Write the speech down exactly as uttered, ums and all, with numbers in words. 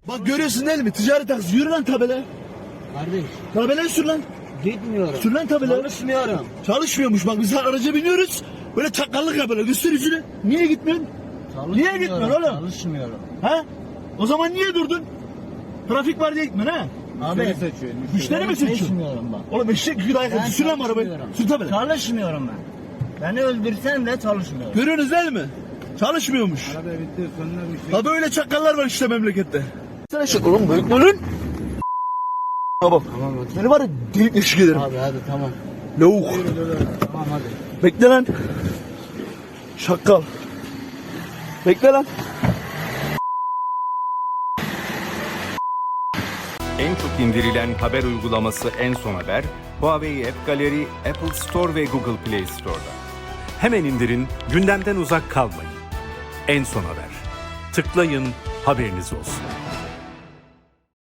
Bak görüyorsun değil mi? Ticari taksi. Yürü lan tabela. Kardeş Tabelayı sür lan. gitmiyorum. Sür lan tabela. Çalışmıyorum. Çalışmıyormuş bak biz araca biniyoruz. Böyle çakallık yapıyorlar. Göster yüzünü. Niye gitmiyorsun? Niye gitmiyorsun oğlum? Çalışmıyorum. Ha? O zaman niye durdun? Trafik var diye gitmiyorsun ha? Abi seçiyor. Müşteri mi seçiyorsun? seçmiyorum bak. Oğlum eşek gibi dayak Ben atıyor. Sür lan bu arabayı. çalışmıyorum. Sür tabela. Çalışmıyorum ben. Beni öldürsen de çalışmıyorum. Görüyorsunuz değil mi? Çalışmıyormuş. Araba bitti sonuna bir şey. Ha böyle çakallar var işte memlekette. Sen eşek oğlum büyük lan. Ha bak. Tamam hadi. Seni var ya delik eşik ederim. Abi hadi tamam. Lavuk. Tamam hadi. Bekle lan. Şakal. Bekle lan. En çok indirilen haber uygulaması En Son Haber, Huawei App Gallery, Apple Store ve Google Play Store'da. Hemen indirin, gündemden uzak kalmayın. En Son Haber. Tıklayın, haberiniz olsun.